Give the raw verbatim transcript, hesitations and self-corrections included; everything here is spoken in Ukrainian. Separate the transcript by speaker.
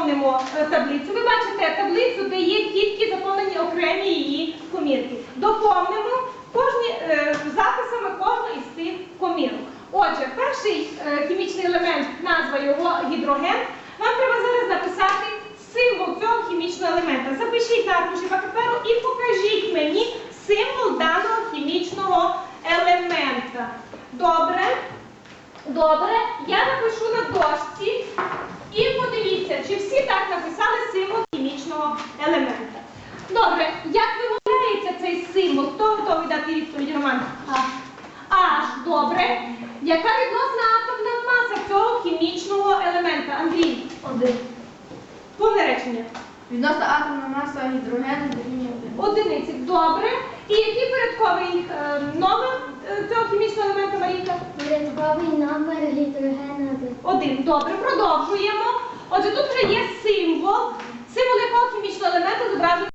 Speaker 1: заповнимо таблицю. Ви бачите таблицю, де є тільки заповнені окремі її комірки. Доповнимо кожні, е, записами кожну із цих комірок. Отже, перший е, хімічний елемент, назва його гідроген. Вам треба зараз написати символ цього хімічного елемента. Запишіть на аркуші паперу і покажіть мені символ даного хімічного елемента. Добре? Добре. Я напишу на дошці і подивіться, чи всі так написали символ хімічного елемента. Добре. Як вимовляється цей символ? Хто готовий дати відповідь, Роман? Аж. Добре. Яка відносна атомна маса цього хімічного елемента? Андрій?
Speaker 2: Один.
Speaker 1: Повне речення.
Speaker 2: Відносна атомна маса гідрогену дорівнює один.
Speaker 1: Одиниці. Добре. І який порядковий е, номер е, цього хімічного елемента, Марійка?
Speaker 3: Порядковий номер гідрогену один.
Speaker 1: Один. Добре. Продовжуємо. Отже, тут вже є символ